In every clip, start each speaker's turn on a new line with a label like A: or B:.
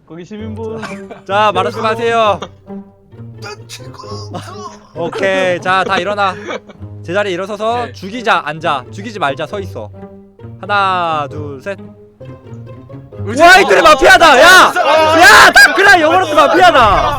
A: 거기 시민분.
B: 자 말씀하세요. 오케이 자 다 일어나. 제자리에 일어서서
C: 오케이.
B: 죽이자 앉아 죽이지 말자 서있어. 하나 둘셋.
C: 의지-
B: 와이들이 마피아다. 야! 야! 다크라 영어로도 마피아다.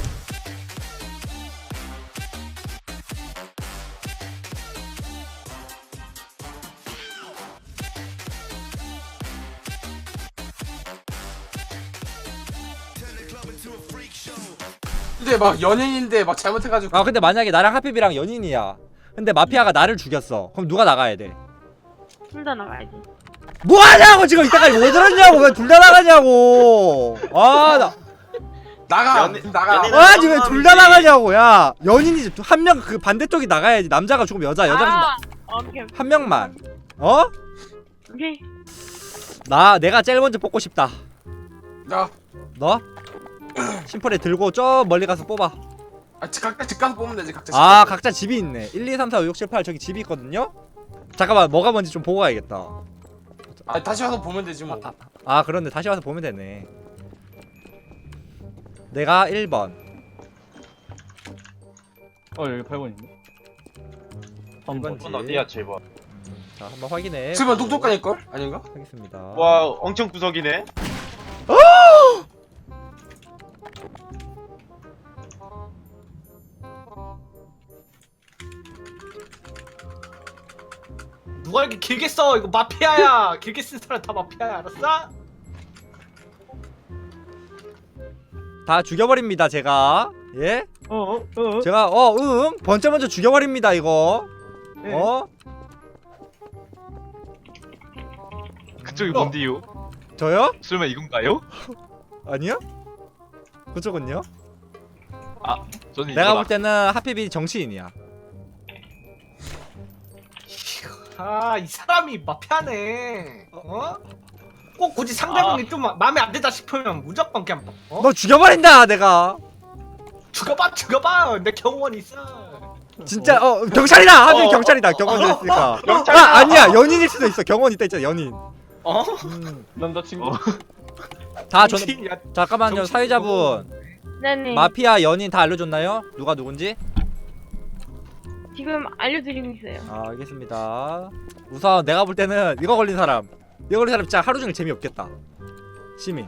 C: 근데 막 연예인인데 막 잘못해가지고.
B: 아 근데 만약에 나랑 하피비랑 연인이야. 근데 마피아가 나를 죽였어. 그럼 누가 나가야 돼?
D: 둘 다 나가야지.
B: 뭐하냐고 지금 이때까지 뭐 들었냐고. 왜 둘 다 나가냐고. 아나
C: 나가 나가.
B: 아니 왜 둘 다 나가냐고. 야 연인이지. 한 명 그 반대쪽이 나가야지. 남자가 죽으면 여자가
D: 오케이.
B: 한 명만. 어?
D: 오케이.
B: 내가 제일 먼저 뽑고 싶다.
C: 야,
B: 너? 심플에 들고 저 멀리 가서 뽑아.
C: 각자 집 가서 뽑으면 되지 각자.
B: 아 각자 집이 있네. 1, 2, 3, 4, 5, 6, 7, 8 저기 집이 있거든요? 잠깐만 뭐가 뭔지 좀 보고 가야겠다.
C: 다시 와서 보면 되지 뭐.
B: 아 그런데 다시 와서 보면 되네. 내가 1번.
A: 여기 8번인데.
B: 1번지.
E: 7번 어디야 7번?
B: 자 한번 확인해.
C: 7번 똑똑하니걸? 아닌가?
B: 하겠습니다.
E: 와 엄청 구석이네.
F: 누가 이렇게 길게 써? 이거 마피아야. 길게 쓴 사람 다 마피아야. 알았어?
B: 다 죽여버립니다 제가. 예? 제가 번째 먼저 죽여버립니다 이거.
A: 네.
E: 그쪽이 뭔데요?
B: 저요?
E: 설마 이건가요?
B: 아니요? 그쪽은요?
E: 저는
B: 내가
E: 이거다.
B: 볼 때는 하피비 정치인이야.
F: 이 사람이 마피아네. 꼭 굳이 상대방이 좀 마음에 안 든다 싶으면 무조건 그냥
B: 너 죽여버린다 내가.
F: 죽여봐. 내 경호원 있어.
B: 진짜 경찰이다. 하필 경찰이다. 경원 있으니까. 아니야 연인일 수도 있어. 경원 있다 있잖아 연인.
A: 남자친구.
B: 다 저는
F: 정신이야.
B: 잠깐만요
F: 정신-
B: 사회자분.
D: 네네.
B: 마피아 연인 다 알려줬나요? 누가 누군지?
D: 지금 알려드리고 있어요.
B: 아 알겠습니다. 우선 내가 볼 때는 이거 걸린 사람 진짜 하루 종일 재미없겠다. 시민.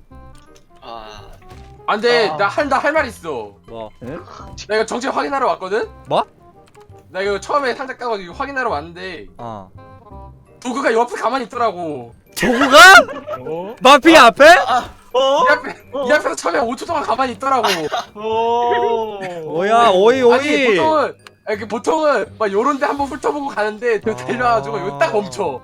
C: 안돼 나 할 말 있어.
B: 뭐?
C: 나 이거 정체 확인하러 왔거든.
B: 뭐?
C: 나 이거 처음에 상자 까가지고 확인하러 왔는데
B: 어.
C: 도구가 옆에 가만히 있더라고.
B: 도구가? 마피아 앞에?
C: 이 앞에서 처음에 5초 동안 가만히 있더라고.
B: 뭐야 오이
C: 아니 보통은 막 요런데 한번 훑어보고 가는데
B: 아.
C: 데려와가지고 여기 딱 멈춰.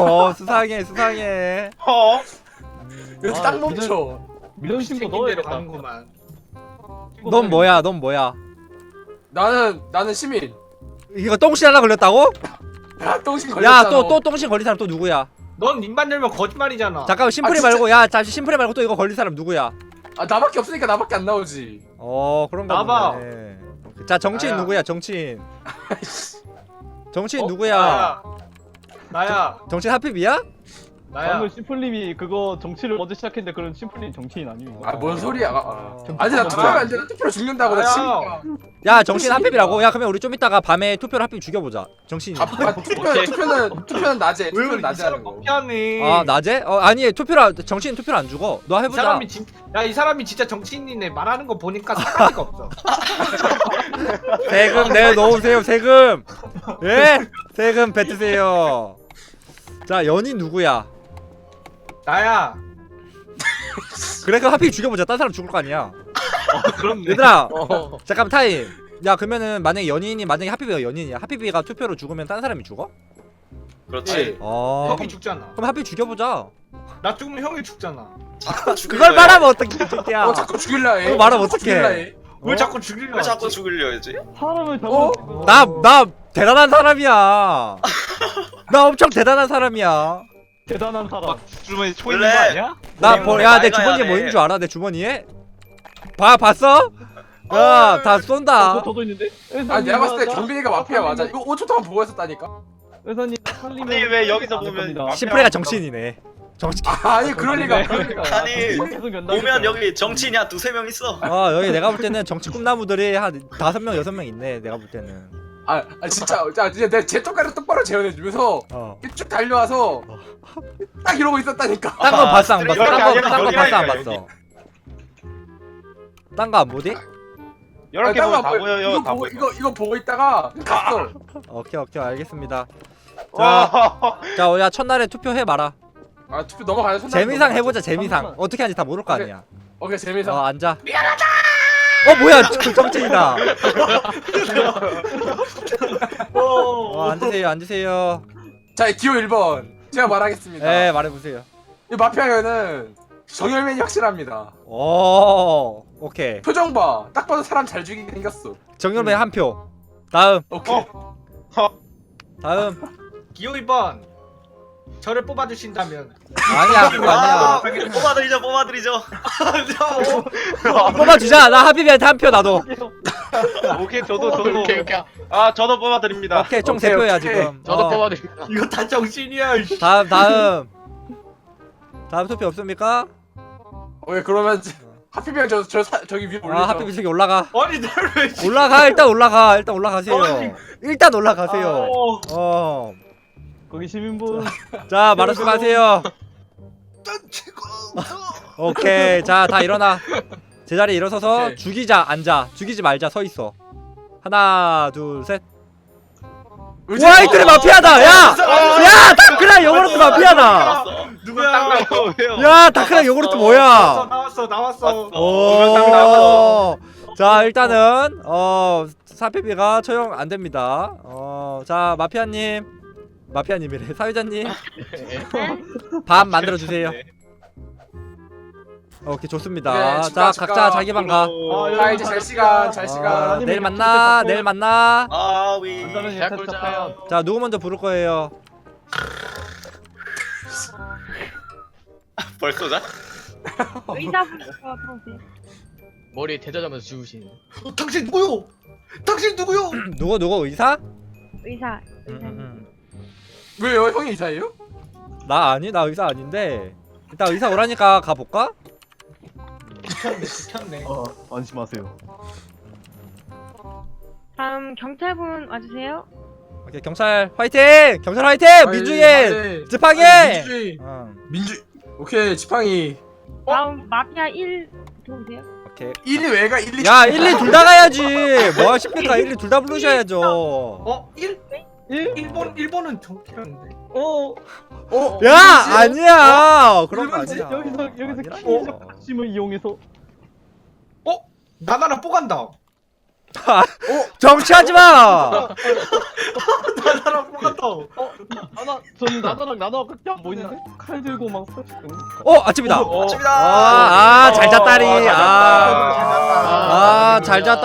B: 수상해.
C: 여기 딱 멈춰.
A: 민원 신고
F: 생긴 대로
A: 넣어야겠다.
F: 가는구만.
B: 넌 뭐야?
C: 나는 시민.
B: 이거 똥신 하나 걸렸다고?
C: 야 똥신 걸렸잖아.
B: 야 또 똥신 걸린 사람 또 누구야?
F: 넌 입만 열면 거짓말이잖아.
B: 잠깐만 심플이
C: 진짜?
B: 말고 야 잠시 심플이 말고 또 이거 걸린 사람 누구야?
C: 나밖에 없으니까 나밖에 안 나오지.
B: 그런가
F: 나봐.
B: 보네. 자 정치인
F: 나야.
B: 누구야 정치인? 정치인 누구야?
F: 나야.
B: 정치인 하피비야?
F: 나야.
A: 방금 심플님이 그거 정치를 먼저 시작했는데 그런 심플님 정치인 아니고.
C: 뭔 소리야? 아니 나 투표하면 안 돼. 나 투표로 죽는다고 나
F: 나야.
C: 시민이야.
B: 야 정치인 하피비라고? 야 그러면 우리 좀 이따가 밤에 투표로 하피비 죽여보자. 정치인.
C: 투표는 낮에.
F: 왜
C: 투표는
F: 이
C: 낮에
F: 사람
C: 하는 거.
F: 마피아네.
B: 아 낮에? 아니 정치인 투표로 안 죽어. 너
F: 이
B: 해보자.
F: 사람이 이 사람이 진짜 정치인이네. 말하는 거 보니까 사가지가 없어.
B: 세금 내놓으세요 세금. 예? 세금 뱉으세요. 자 연인 누구야?
F: 나야.
B: 그래 그럼 하피비 죽여보자. 딴 사람 죽을 거 아니야.
F: 그렇네.
B: 얘들아 잠깐만 타임. 야 그러면은 만약에 하피비가 연인이야. 하피비가 투표로 죽으면 딴 사람이 죽어?
C: 그렇지.
F: 형이 죽잖아.
B: 그럼 하피비 죽여보자.
F: 나 죽으면 형이 죽잖아.
B: 그걸 말하면 어떡해 이 새끼야.
C: 자꾸 죽일라 해.
B: 그거 말하면
C: 자꾸
B: 어떡해.
C: 죽일라 해.
F: 왜 자꾸 죽이려?
E: 왜 자꾸 죽으려야지?
A: 사람을
C: 어?
A: 잡는
B: 나 대단한 사람이야. 나 엄청 대단한 사람이야.
A: 대단한 사람.
E: 주머니 초
G: 원래-
E: 있는 거 아니야?
B: 야 내
G: 맑아야
B: 주머니에
G: 돼.
B: 뭐 있는 줄 알아? 내 주머니에? 봤어? 야 다 쏜다.
A: 저도 있는데.
C: 내가 봤을 때 경빈이가 마피아 맞아. 이거 5초 동안 보고 있었다니까.
A: 회사님 살리면.
G: 아니 왜 여기서 보면
A: 겁니다.
B: 심플이가 정치인이네. 정치.
C: 아니 그럴 리가. 그럴 리가.
E: 아니
A: 계속 연락이
E: 보면 여기 정치인이 한 두세 명 있어.
B: 여기 내가 볼 때는 정치 꿈나무들이 한 5명 6명 있네. 내가 볼 때는.
C: 진짜 내가 제 똑바로 재현해주면서 쭉 달려와서 딱 이러고 있었다니까.
B: 딴 건 봤어 안 봤어?
E: 여기 아니라
B: 딴 건
E: 여기
B: 봤어 안
E: 아니라
B: 봤어? 딴 거 안 보디?
E: 이렇게 보면 다 보여요.
C: 이거
E: 다
C: 보고
E: 보여.
C: 이거 보고 있다가 갔어.
B: 오케이 알겠습니다.
E: 와.
B: 자, 야 첫날에 투표해 봐라.
C: 투표 넘어가요.
B: 재미상 해보자 재미상. 어떻게 하는지 다 모를 거 아니야.
C: 오케이 재미상.
B: 앉아. 미안하다. 뭐야 정치이다. 앉으세요.
C: 자 기호 1번 제가 말하겠습니다.
B: 네 말해보세요.
C: 이 마피아는 정열맨이 확실합니다.
B: 오케이.
C: 표정 봐. 딱 봐도 사람 잘 죽이게 생겼어.
B: 정열맨 한 표. 다음.
C: 오케이.
B: 다음.
F: 기호 2번 저를 뽑아주신다면
B: 아니야 그거 아니야.
E: 뽑아드리죠.
B: 뽑아주자. 나 하비비한테 한 표 나도.
E: 오케이 저도. 아 저도 뽑아드립니다.
B: 오케이 총
C: 오케이,
B: 3표야
C: 오케이.
B: 지금.
A: 저도 뽑아드립니다.
F: 이거 다 정신이야.
B: 다음 투표 없습니까?
C: 오케이 그러면 하필이면 저기 위에 올리죠.
B: 하비비 저기 올라가.
F: 아니 나를 왜
B: 일단 올라가세요. 일단 올라가세요.
A: 거기 시민분.
B: 자 말씀하세요. 오케이 자 다 일어나. 제자리에 일어서서
C: 오케이.
B: 죽이자 앉아. 죽이지 말자 서 있어. 하나 둘 셋.
C: 의지-
B: 와 이들이 마피아다. 야 다크랑 요구르트 마피아다.
F: 누구야?
E: 왜요?
B: 야 다크랑 요구르트 뭐야?
F: 나왔어.
B: 오. 자 일단은 사피비가 처형 안 됩니다. 자 마피아님이래. 사회자님 밥 만들어 주세요. 오케이 좋습니다.
C: 네,
B: 자
C: 축하.
B: 각자 자기 방 가.
C: 자 이제 잘 시간.
B: 내일 만나. 내일 만나.
E: 아위.
A: 간단한 예탁 착하연.
B: 자 누구 먼저 부를 거예요?
E: 벌써 자?
D: 의사분부터 들어오세요.
A: 머리에 대자자면서 죽으신.
F: 당신 누구요? 당신 누구요?
B: 누구 의사?
D: 의사.
C: 왜요? 형이 이사예요?
B: 나 의사 아닌데. 일단 의사 오라니까 가 볼까?
F: 미쳤네.
A: 안심하세요.
D: 다음 경찰분 와주세요.
B: 오케이 경찰 화이팅! 경찰 화이팅! 민주주의 지팡이!
C: 민주주의.
B: 응.
C: 오케이 지팡이.
D: 다음 마피아 1 들어오세요.
B: 오케이.
C: 1위 왜가 1, 2.
B: 야 1, 2 둘 다 가야지. 뭐 하십니까? 1, 2 둘 다 부르셔야죠.
F: 1번은 정치라는데.
B: 야 아니야. 그런 거
C: 일본지?
B: 아니야.
A: 여기서
B: 아니라고.
A: 핵심을 이용해서.
F: 나나랑 뽀간다.
B: 정치하지 마.
F: 나나랑 뽀간다.
A: 저는 나다랑 나다가 끝이 안 보이는데? 칼 들고 막
B: 아침이다.
E: 아침이다.
B: 잘 잤다리. 잘 잤다.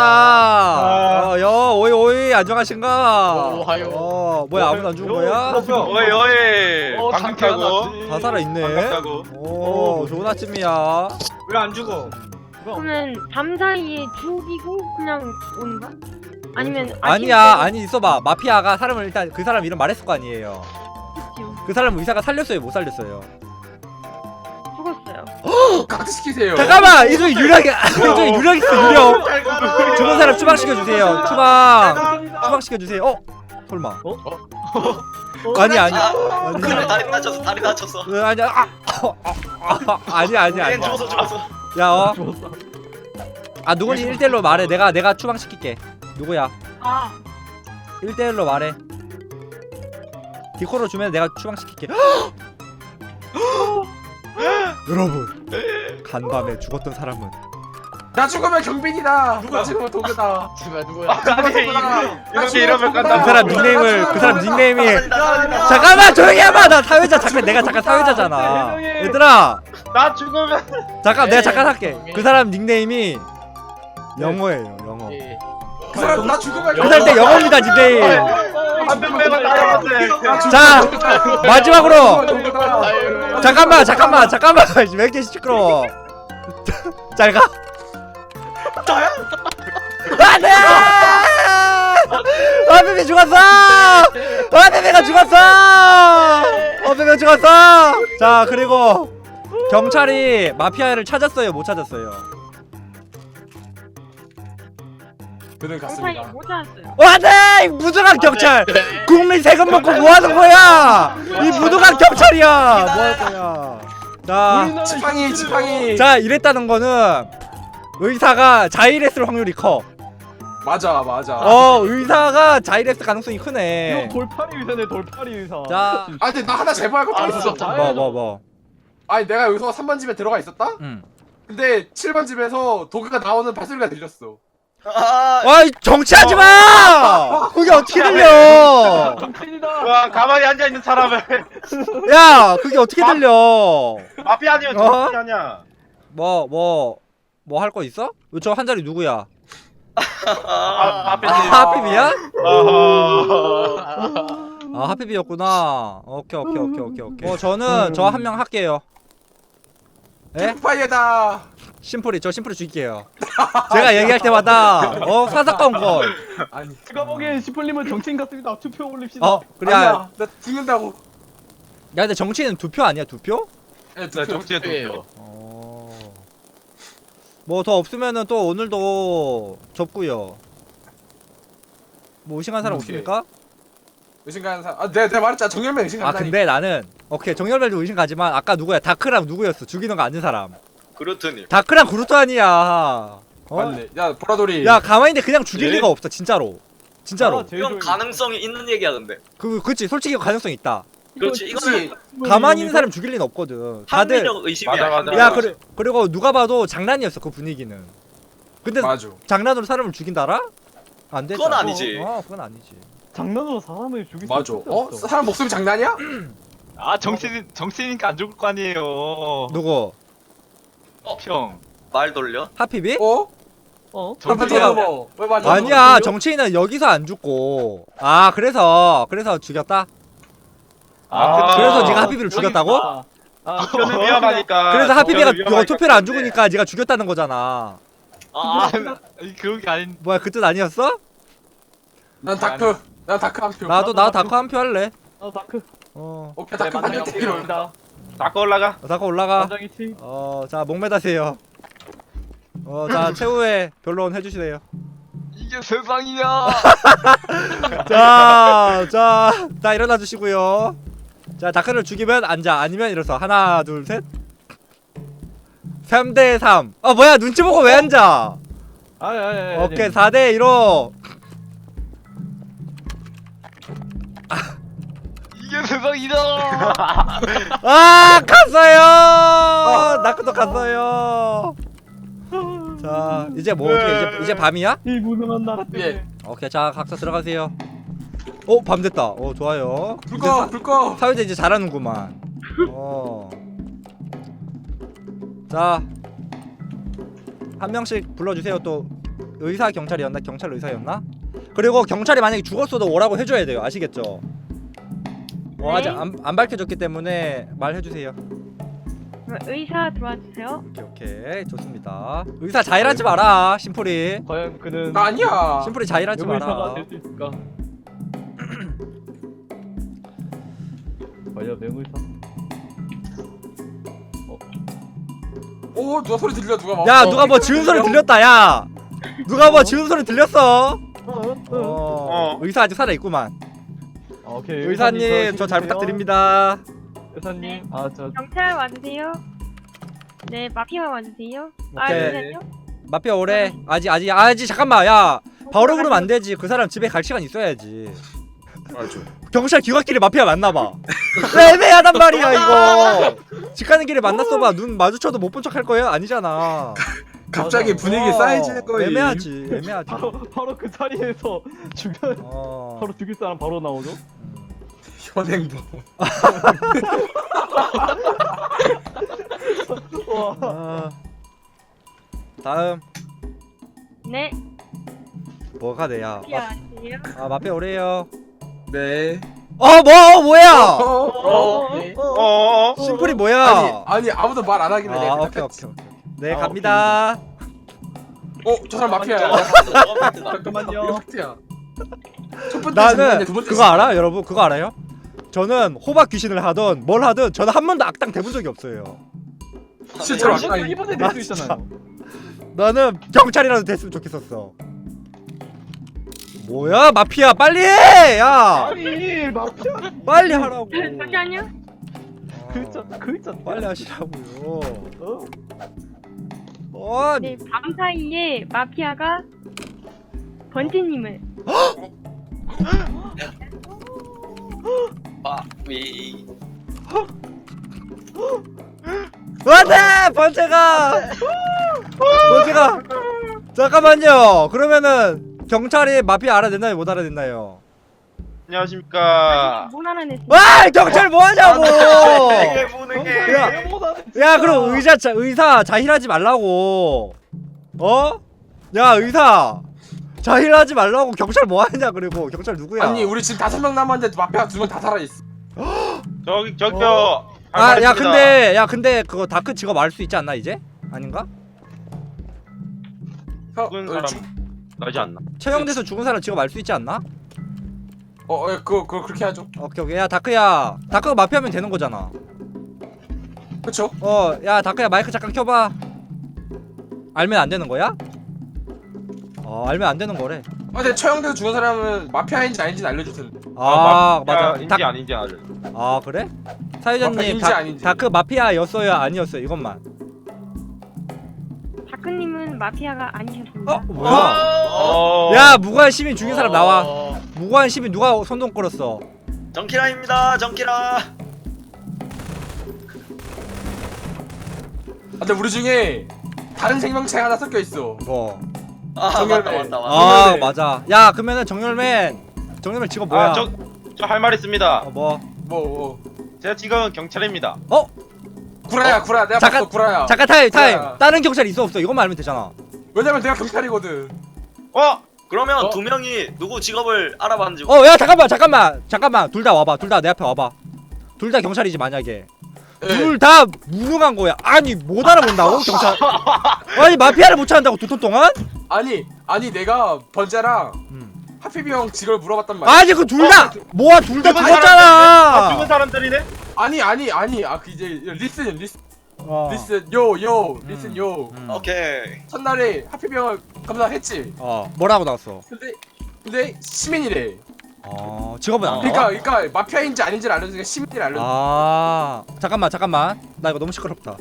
B: 오이 안녕하신가?
A: 오하요.
B: 뭐야 아무도 안 죽은 거야?
E: 어이. 방금
A: 장기
E: 타고.
A: 하나.
B: 다 살아있네.
E: 반갑다고.
B: 오 좋은 아침이야.
F: 왜 안 죽어?
D: 그러면 밤 사이에 죽이고 그냥 오는 거야? 아니면
B: 아니 있어봐. 마피아가 사람을 일단 그 사람 이름 말했을 거 아니에요. 그 사람 의사가 살렸어요 못 살렸어요?
D: 죽었어요.
C: 각시키세요.
B: 잠깐만 이 중에 유력 있어 유력. 죽은 사람 추방시켜주세요. 추방시켜주세요. 설마 아니야
E: 그래 다리 다쳤어.
B: 아니야 아니야
E: 얘 죽었어.
B: 야 누군지 1대1로 말해. 내가 추방시킬게. 누구야? 1대1로 말해. 디코로 주면 내가 추방시킬게. 여러분 간밤에 죽었던 사람은
C: 나 죽으면 경빈이다. 나 죽으면 도구다.
A: 제발 누구야?
E: 이렇게 이러면
B: 그 사람 닉네임이 잠깐만 조용히 해봐. 나 사회자 내가 잠깐 사회자잖아. 얘들아
E: 나 죽으면.
B: 잠깐 내가 잠깐 할게. 그 사람 닉네임이 영어예요 영어.
C: 그 사람 나 죽으면
B: 그 사람 때 영어입니다 닉네임.
E: 한명 빼고 따라갔네.
B: 자 마지막으로
C: 도구다.
B: 잠깐만 왜 이렇게 시끄러워. 잘 가. 안돼. 아베베 죽었어. 아베베가 죽었어. 몇명 죽었어. 자 그리고 경찰이 마피아를 찾았어요 못 찾았어요?
C: 그는
D: 경찰이
C: 갔습니다.
D: 못 찾았어요.
B: 안돼 무능한 경찰 국민 세금 먹고 뭐하는 거야 이 무능한 경찰이야 뭐할 거야 자,
C: 지팡이.
B: 자 이랬다는 거는 의사가 자일했을 확률이 커.
C: 맞아.
B: 의사가 자일했을 가능성이 크네.
A: 이거 돌팔이 의사네 돌팔이 의사.
B: 자.
C: 아 근데 나 하나 제보할 것도 있어.
B: 뭐.
C: 아니 내가 여기서 3번 집에 들어가 있었다?
B: 응.
C: 근데 7번 집에서 도그가 나오는 발소리가 들렸어.
B: 아이 정치하지 마. 그게 어떻게 들려?
A: 정치인이다.
E: 와 가만히 앉아 있는 사람을
B: 야, 그게 어떻게 들려?
E: 마피아 아니면
B: 어?
E: 정치 아니야.
B: 뭐 할 거 있어? 저 한 자리 누구야?
E: 마피아.
B: 하피비야?
E: 아하.
B: 하피비였구나. 오케이. 저는 저 한 명 할게요. 예?
C: 파이어다.
B: 심플이 저 심플이 죽일게요. 제가 얘기할 때마다 사사건 걸.
C: 아니
A: 제가 보기엔 시플님은 정치인 같습니다. 투표 올립시다.
B: 그래.
C: 아니야. 나 죽는다고.
B: 야 근데 정치는 2표 아니야 2표?
C: 네,
E: 네, 정치에 투표.
B: 뭐 더 없으면은 또 오늘도 접고요. 뭐 의심한 사람
C: 오케이.
B: 없습니까?
C: 의심 가는 사람. 아 내가 말했잖아. 정열면 의심
B: 아
C: 간다니.
B: 근데 나는 오케이 정열별도 의심 가지만 아까 누구야 다크랑 누구였어 죽이는 거 아는 사람.
E: 그렇더니.
B: 다크랑 그루트 아니야.
C: 맞네. 야 보라돌이.
B: 야 가만히 있는데 그냥 죽일
E: 예?
B: 리가 없어 진짜로. 진짜로.
A: 아, 제일
G: 이건
A: 좋은-
G: 가능성이 있는 얘기야 근데.
B: 그치 솔직히 가능성 있다.
G: 그렇지 이거는
B: 가만히 있는 사람 죽일 리는 없거든. 다들
G: 합리적 의심이야.
E: 맞아.
G: 합리적
B: 야
G: 의심.
B: 그리고 누가 봐도 장난이었어 그 분위기는. 근데
C: 맞아.
B: 장난으로 사람을 죽인다라? 안 되지.
G: 그건 아니지.
B: 그건 아니지.
A: 장난으로 사람을 죽일 수
C: 맞아.
A: 없어.
C: 사람 목숨이 장난이야?
H: 아 정치인이니까 안 죽을 거 아니에요.
B: 누구?
H: 평.
G: 말 돌려?
B: 하피비?
C: 어?
A: 정치가
C: 뭐? 왜 맞아?
B: 아니야 정치인은 여기서 안 죽고 그래서 죽였다? 그래서 네가 하피비를 죽였다고?
E: 투표는 위험하니까.
B: 그래서 하피비가
E: 투표는 위험하니까
B: 투표를 안
E: 그런데.
B: 죽으니까 네가 죽였다는 거잖아.
H: 그런 게 아닌.
B: 뭐야 그 뜻 아니었어?
C: 난 다크. 난 다크 한 표.
B: 나도 다크 한 표 할래.
A: 다크.
C: 오케이 다크 한 표.
A: 만장일치입니다.
E: 닦아 올라가.
B: 다크 올라가.
A: 만장일치.
B: 자 목매다세요. 자 최후의 변론 해주시래요.
H: 이게 세상이야.
B: 자 일어나 주시고요. 자 다크를 죽이면 앉아 아니면 일어서 하나 둘 셋. 3대 3. 뭐야 눈치 보고 왜 앉아?
A: 아니.
B: 오케이 4대 1로.
H: 이게 세상이다.
B: 갔어요. 나크도 갔어요. 자 이제 뭐 어떻게 이제 밤이야?
A: 이 무능한 나라 때문에.
C: 예.
B: 오케이 자 각자 들어가세요. 밤 됐다. 좋아요.
C: 불 꺼. 불 꺼.
B: 사회자 이제 잘하는구만. 자, 한 명씩 불러주세요. 또 의사 경찰이었나? 경찰 의사였나? 그리고 경찰이 만약에 죽었어도 오라고 해줘야 돼요. 아시겠죠? 아직 안 밝혀졌기 때문에 말해주세요.
D: 그럼 의사 들어와 주세요.
B: 오케이 좋습니다. 의사 자일하지 마라. 심플이.
A: 과연 그는
C: 나 아니야.
B: 심플이 자일하지
A: 명의사가
B: 마라.
A: 될 수 있을까? 과연 명의사?
C: 오 누가 소리 들려 누가 막.
B: 야 누가 뭐 지은 소리 들렸다. 야 누가 뭐 지은 소리 들렸어? 의사 아직 살아 있구만.
A: 오케이.
B: 의사님 저 잘 부탁드립니다.
A: 의사님.
D: 경찰 와주세요. 네, 마피아 와주세요.
B: 오케이.
D: 잠시만요.
B: 마피아 오래. 아직 잠깐만. 야 바로 그러면 안 되지. 그 사람 집에 갈 시간 있어야지.
C: 맞아.
B: 경찰 귀갓길에 마피아 만나봐. 애매하단 말이야 이거. 집 가는 길에 만났어봐. 눈 마주쳐도 못 본 척 할 거야? 아니잖아.
C: 갑자기 분위기 쌓여지는 거야.
B: 애매하지.
A: 바로 그 자리에서 주변 바로 죽일 사람 바로 나오죠?
C: 현행범.
B: 다음
D: 네,
B: 뭐가 돼야?
D: 마피아 와주세요.
B: 마피아 오래요.
C: 네.
B: 뭐야?
E: 어어.
B: 심플이 뭐야?
C: 아니 아무도 말 안 하길래 내가
B: 오케이.
C: 대답했지.
B: 네 갑니다.
C: 저 사람 마피아야.
A: 잠깐만요.
C: 이거 팩트야. 첫 번째
B: 나는
C: 장난이야, 두 번째
B: 그거 알아? 여러분 그거 알아요? 저는 호박 귀신을 하던 뭘 하든 저는 한 번도 악당 돼본 적이 없어요.
C: 실제로
A: 당신
C: 아까
A: 이번에
B: 나
A: 낼수 있잖아요.
B: 나는 경찰이라도 됐으면 좋겠었어. 뭐야 마피아 빨리 해! 야
A: 아니 마피아
B: 빨리 하라고.
D: 잠시만요.
A: 그 있잖아.
B: 빨리 하시라고요.
A: 어?
B: 아,
D: 네, 밤 사이에 마피아가 번지님을
G: 위.
B: 안돼 번째가 잠깐만요. 그러면은 경찰이 마피아 알아냈나요 못 알아냈나요?
E: 안녕하십니까.
D: 못 알아냈어요.
B: 와 경찰 뭐 하냐고.
G: 되게 무능해.
B: 야 그럼 의사 자힐하지 말라고. 어? 야 의사 자힐하지 말라고. 경찰 뭐 하냐. 그리고 경찰 누구야?
C: 아니 우리 지금 5명 남았는데 마피아 2명 다 살아있어.
E: 저기요.
B: 근데 그거 다크 직업 알 수 있지 않나 이제? 아닌가?
E: 죽은 사람 나지 않나?
B: 처형돼서 죽은 사람 직업 알 수 있지 않나?
C: 그거 그렇게 하죠.
B: 오케이. 야 다크야, 다크가 마피아면 되는 거잖아.
C: 그쵸?
B: 야 다크야 마이크 잠깐 켜봐. 알면 안 되는 거야? 알면 안 되는 거래.
C: 근데 처형돼서 죽은 사람은 마피아인지 아닌지 알려줄 텐데.
B: 맞아.
E: 인지 아닌지 알려.
B: 그래?
C: 마피아
B: 사회자님
C: 인지 아닌지.
B: 다크 마피아였어요 아니었어요 이것만.
D: 다크님은 마피아가 아니셨습니다.
B: 뭐야? 야 무고한 시민 죽인 사람 나와. 무고한 시민 누가 손동 끌었어?
G: 정키라입니다. 정키라.
C: 근데 우리 중에 다른 생명체가 하나 섞여 있어.
B: 뭐?
C: 정열매.
G: 맞다.
B: 맞아. 야 그러면은 정열맨 직업 뭐야?
E: 저 할 말 있습니다.
C: 뭐.
E: 제가 지금 경찰입니다.
C: 구라야. 내가
B: 잠깐,
C: 봤어 구라야.
B: 잠깐 타임.
C: 뭐야?
B: 다른 경찰 있어 없어? 이것만 알면 되잖아.
C: 왜냐면 내가 경찰이거든.
G: 그러면 두 명이 누구 직업을 알아봤는지.
B: 야 잠깐만. 둘 다 와봐. 둘 다 내 앞에 와봐. 둘 다 경찰이지 만약에.
C: 예.
B: 둘 다 무능한 거야. 아니 못 알아본다고 경찰? 아니 마피아를 못 찾는다고 2톤 동안?
C: 아니 내가 번째랑 하피비 형 직업을 물어봤단 말이야.
B: 아니 그 둘 다 뭐야 둘 다
E: 죽은
B: 죽었잖아.
E: 죽은 사람들이네?
C: 아니 그 이제 리슨 요.
G: 오케이.
C: 첫날에 하피비 형을 검사했지.
B: 뭐라고 나왔어?
C: 근데 시민이래.
B: 직업은 안 나와?
C: 그러니까 마피아인지 아닌지를 알려주니까 시민을 알려.
B: 잠깐만 나 이거 너무 시끄럽다.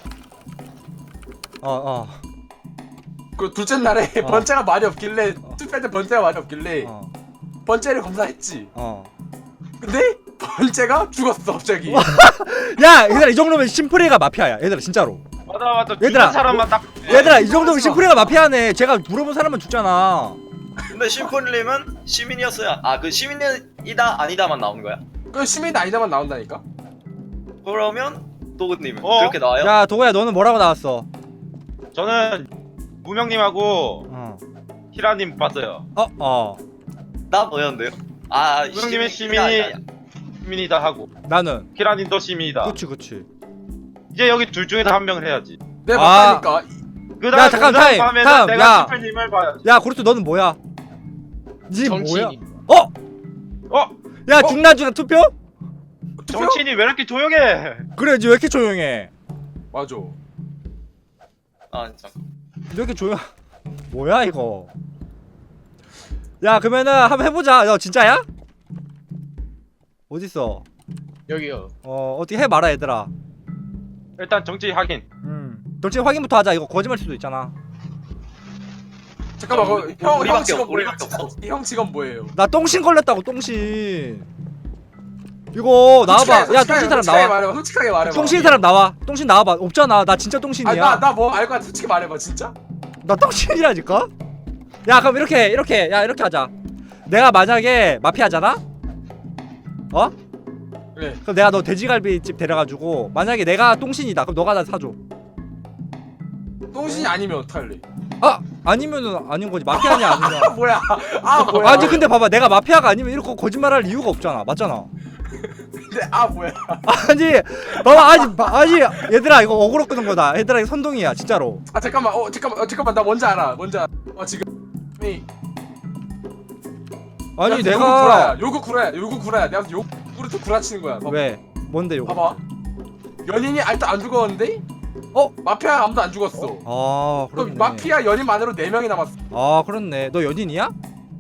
C: 그 둘째 날에 번째가 말이 없길래 투표할 때 번째가 말이 없길래 번째를 검사했지. 근데 번째가 죽었어 갑자기.
B: 야 얘들아 이 정도면 심플이가 마피아야 얘들아 진짜로.
E: 맞아.
B: 얘들아,
E: 죽은 사람만 딱.
B: 얘들아 이 정도면 심플이가 마피아네. 제가 물어본 사람은 죽잖아.
G: 근데 심플님은 시민이었어요. 그 시민이다 아니다만 나온 거야?
C: 그 시민 아니다만 나온다니까.
G: 그러면 도그님은
E: 그렇게
G: 그렇게 나와요?
B: 야 도구야 너는 뭐라고 나왔어?
E: 저는 무명님하고 히라님 봤어요.
G: 나 뭐였는데요?
E: 무명님은 시민이다 하고
B: 나는
E: 히라님도 시민이다.
B: 그치.
E: 이제 여기 둘 중에서 한 명을 해야지.
C: 내가 봤다니까.
E: 그다음
B: 잠깐, 타임.
E: 내가
B: 야.
E: 심플님을 봐야지.
B: 야 고르트 너는 뭐야? 니 뭐야?
F: 정치인.
B: 야 중간중간 투표?
E: 정치인이 왜 이렇게 조용해?
B: 그래 니 왜 이렇게 조용해?
C: 맞아.
G: 잠깐.
B: 왜 이렇게 조용? 뭐야 이거? 야 그러면은 한번 해보자. 너 진짜야? 어딨어?
F: 여기요.
B: 어떻게 해봐라 얘들아.
E: 일단 정치 확인.
B: 정치 확인부터 하자. 이거 거짓말 수도 있잖아.
C: 잠깐만 형
G: 우리밖에
C: 직업
G: 없-
C: 뭐예요?
G: 우리밖에 없어.
C: 형 직업 뭐예요?
B: 나 똥신 걸렸다고 똥신. 이거 나와봐. 야 똥신 사람 나와.
C: 솔직하게 말해봐.
B: 똥신 사람 나와. 똥신 나와봐. 없잖아. 나 진짜 똥신이야.
C: 나 뭐 알 거 같아. 솔직히 말해봐 진짜.
B: 나 똥신이라니까? 야 그럼 이렇게 하자. 내가 만약에 마피아잖아?
C: 그래.
B: 그럼 내가 너 돼지갈비집 데려가지고 만약에 내가 똥신이다 그럼 너가 나 사줘.
C: 똥신이 아니면 어떡할래?
B: 아니면은 아닌 거지. 마피아냐 아니냐.
C: 뭐야? 뭐야?
B: 아니 근데 봐봐 내가 마피아가 아니면 이렇게 거짓말할 이유가 없잖아. 맞잖아.
C: 근데 뭐야?
B: 아니 봐봐 아니 얘들아 이거 어그로 끄는 거다. 얘들아 이거 선동이야 진짜로.
C: 잠깐만 나 뭔지 알아. 지금
B: 아니
C: 야,
B: 내가
C: 요거 구라야. 내가 욕 구르트 구라치는 거야. 봐봐.
B: 왜? 뭔데 요거?
C: 봐봐. 연인이 일단 안 죽었는데?
B: 어?
C: 마피아 아무도 안 죽었어.
B: 아
C: 그럼
B: 그렇네.
C: 마피아 연인만으로 4명이 남았어.
B: 아 그렇네. 너 연인이야?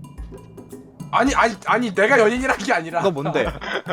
C: 아니 내가 연인이란 게 아니라.
B: 너 뭔데?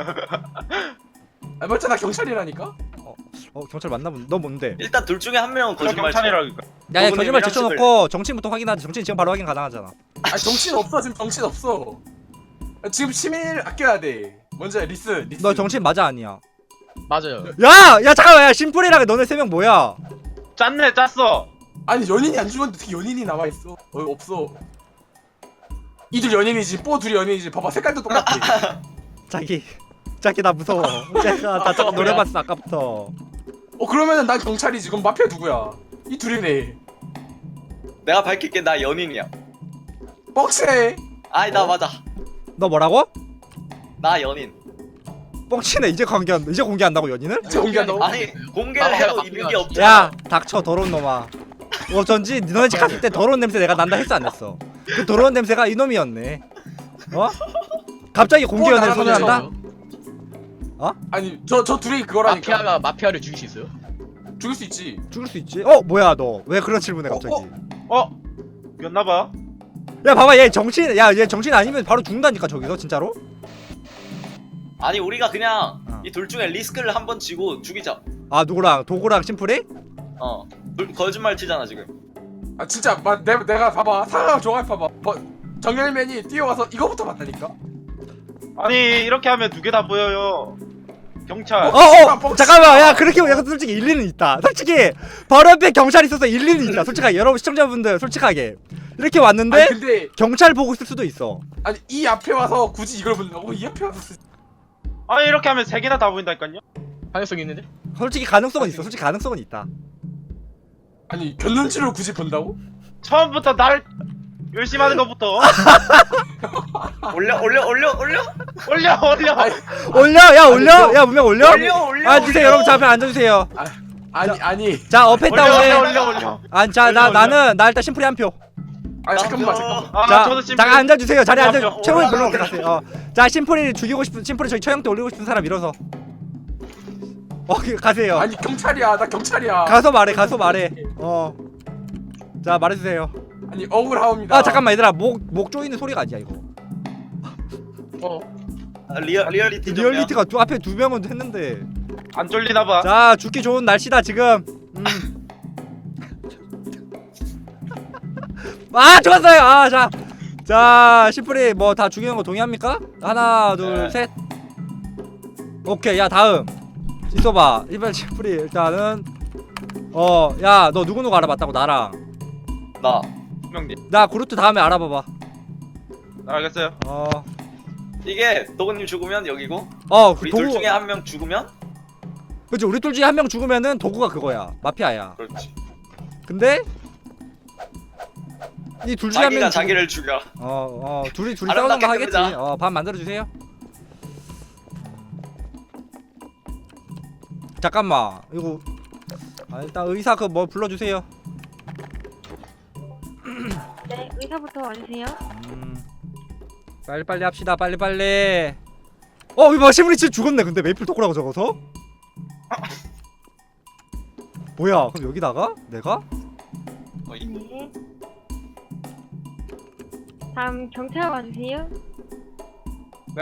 C: 아, 맞잖아 경찰이라니까.
B: 경찰 맞나 본데. 너 뭔데?
G: 일단 둘 중에 한 명은
E: 저
G: 거짓말 쳐.
E: 경찰이라니까.
B: 야
G: 그분이
B: 거짓말
G: 왜랑
B: 제쳐놓고 정치인부터 확인하자. 정치인 지금 바로 확인 가능하잖아.
C: 아 정신 없어 지금 정신 없어. 지금 시민을 아껴야 돼. 먼저 리스.
B: 너 정치인 맞아 아니야?
H: 맞아요.
B: 야 잠깐만 야 심플이랑 너네 3명 뭐야?
E: 짰네 짰어.
C: 아니 연인이 안 죽었는데 어떻게 연인이 남아 있어? 없어. 이들 연인이지. 뽀 둘이 연인이지. 봐봐 색깔도 똑같아.
B: 자기 나 무서워. 제가 다 저거 노려봤어 아까부터.
C: 그러면은 난 경찰이지. 그럼 마피아 누구야? 이 둘이네.
G: 내가 밝힐게 나 연인이야.
C: 뻑세.
G: 아이 나 맞아.
B: 너 뭐라고?
G: 나 연인.
B: 뻥치네. 이제 공개한다고 연인을?
C: 이제 공개한다고?
G: 아니 공개를 해도 있는 게 없잖아.
B: 야 닥쳐 더러운 놈아. 어쩐지 너네 집 갔을 때 더러운 냄새 내가 난다 했어 안 했어? 그 더러운 냄새가 이놈이었네. 어? 갑자기 공개 연애를 선언한다?
C: 아니 저 둘이 그거라니까.
H: 마피아가 마피아를 죽일 수 있어요?
C: 죽일 수 있지.
B: 죽을 수 있지? 뭐야 너 왜 그런 질문해 갑자기?
E: 였나봐.
B: 야 봐봐 얘 정치인 얘 정치인 아니면 바로 죽는다니까 저기서 진짜로?
G: 아니 우리가 그냥
B: 어.
G: 이 둘 중에 리스크를 한번 지고 죽이자.
B: 아 누구랑 도구랑 심플이?
G: 거짓말 치잖아 지금.
C: 아 진짜 내가 봐봐 상황 종합 봐봐. 정열맨이 뛰어와서 이거부터 봤다니까.
E: 아니 이렇게 하면 두 개 다 보여요. 경찰.
B: 잠깐만 야 그렇게 약간 솔직히 일리는 있다. 솔직히 바로 옆에 경찰 있어서 일리는 있다. 솔직하게 여러분 시청자분들 솔직하게 이렇게 왔는데
C: 아니 근데
B: 경찰 보고 있을 수도 있어.
C: 아니 이 앞에 와서 굳이 이걸 본다고? 이 앞에 와서
E: 아니 이렇게 하면 세 개나 다 보인다니까요.
H: 가능성이 있는데?
B: 솔직히 가능성은 있어. 솔직히 가능성은 있다.
C: 아니 견눈치를 굳이 본다고?
E: 처음부터 날 열심히 하는 것부터
G: 올려.
B: 올려 야 문명 올려?
G: 올려.
B: 앉으세요 여러분. 자 앞에 앉아주세요.
C: 아니
B: 자 어패 다운에
E: 올려.
B: 나 일단 심플이 한 표.
C: 아니 잠깐만
B: 자
E: 저도 심플.
B: 잠깐 앉아주세요. 자리에 앉아.
E: 표.
B: 최고의 별로 때 가세요. 자 심플이 죽이고 싶은 심플이 저기 처형 때 올리고 싶은 사람 밀어서. 가세요.
C: 아니 경찰이야 나 경찰이야.
B: 가서 말해. 자 말해주세요.
C: 아니 억울하옵니다.
B: 잠깐만 얘들아 목 조이는 소리가 아니야 이거.
G: 리얼리티 좀.
B: 리얼리티가 앞에 2명은 했는데.
E: 안 쫄리나봐.
B: 자 죽기 좋은 날씨다 지금. 좋았어요. 자 심플이 뭐 다 죽이는 거 동의합니까? 하나 둘 셋. 오케이 야 다음 있어봐. 이번 심플이 일단은 야 너 누구 알아봤다고? 나랑
G: 나.
E: 분명님.
B: 나 그루트 다음에 알아봐봐.
E: 알겠어요.
G: 이게 도구님 죽으면 여기고 우리 둘 중에 한 명 죽으면
B: 그치 우리 둘 중에 한 명 죽으면은 도구가 그거야 마피아야.
G: 그렇지.
B: 근데 이 둘 중에 한
G: 자기가
B: 명
G: 자기를 죽여.
B: 둘이
G: 아름답게
B: 싸우는 거 하겠지.
G: 끝내자.
B: 밥 만들어 주세요. 잠깐만 이거 일단 의사 그 뭐 불러주세요.
D: 네, 의사부터 와주세요.
B: 빨리빨리 합시다. 빨리빨리. 이거 시무리 진짜 죽었네. 근데 메이플 토크라고 적어서? 뭐야 그럼 여기다가? 내가?
D: 네. 다음 경찰 와주세요.
E: 네.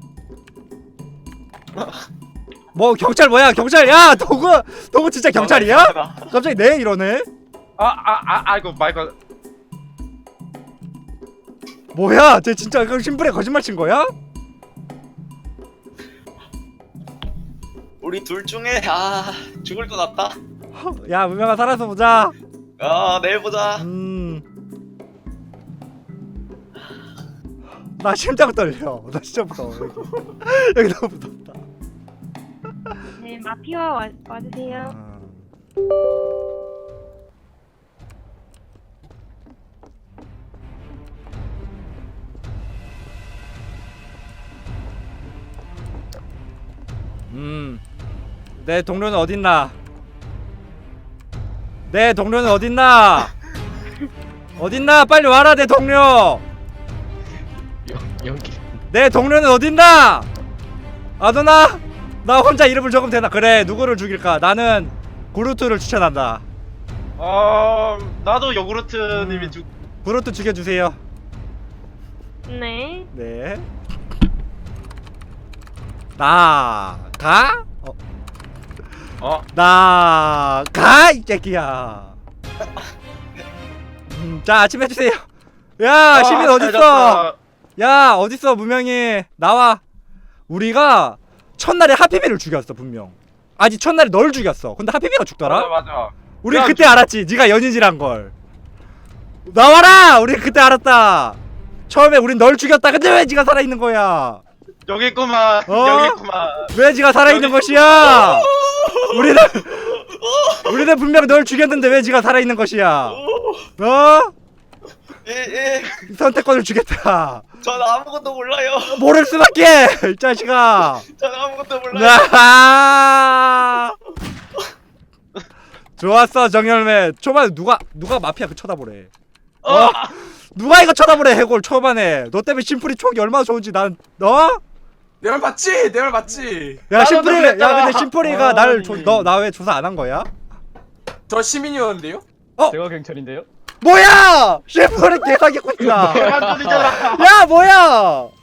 B: 뭐 경찰 뭐야 경찰. 야 도구 진짜 경찰이야? 갑자기 네 이러네.
E: 이거 마이크.
B: 뭐야 쟤 진짜 그럼 심플에 거짓말 친 거야?
G: 우리 둘 중에 죽을 것 같다.
B: 야 문명아 살아서 보자.
G: 내일 보자.
B: 나 심장 떨려. 나 진짜 무서워. 여기 너무 무섭다.
D: 네, 마피아 와주세요.
B: 내 동료는 어딨나? 내 동료는 어딨나? 어딨나? 빨리 와라 내 동료.
H: 연기.
B: 내 동료는 어딨나? 아누나 나 혼자 이름을 적으면 되나? 그래 누구를 죽일까? 나는 구루트를 추천한다.
E: 나도 요구르트님이
B: 구루트 죽여주세요.
D: 네.
B: 네. 나가? 나가 이 새끼야. 자 아침 해주세요. 야 시민 어딨어? 야 어딨어 무명이 나와. 우리가 첫날에 하피비를 죽였어 분명. 아니 첫날에 널 죽였어. 근데 하피비가 죽더라?
E: 맞아.
B: 우리
E: 야,
B: 그때 알았지. 네가 연인이란 걸. 나와라. 우리 그때 알았다. 처음에 우린 널 죽였다. 근데 왜 네가 살아있는 거야?
E: 여기 있구만.
B: 어?
E: 여기 있구만.
B: 왜 네가 살아있는 것이야? 우리는 분명 널 죽였는데 왜 네가 살아있는 것이야?
G: 예.
B: 선택권을 주겠다.
G: 전 아무것도 몰라요.
B: 모를 수밖에 이 자식아.
G: 전 아무것도 몰라요.
B: 좋았어 정열매. 초반에 누가 마피아 그 쳐다보래. 누가 이거 쳐다보래 해골 초반에. 너 때문에 심플이 촉이 얼마나 좋은지 난
C: 내 말 맞지? 내 말 맞지?
B: 야 심플이 야
E: 그랬잖아.
B: 근데 심플이가 나를 나 왜 조사 안 한 거야?
C: 저 시민이었는데요?
A: 제가 경찰인데요.
B: 뭐야! 심플이 개사기꾼이다.
E: 대만 소리잖아.
B: 야 뭐야!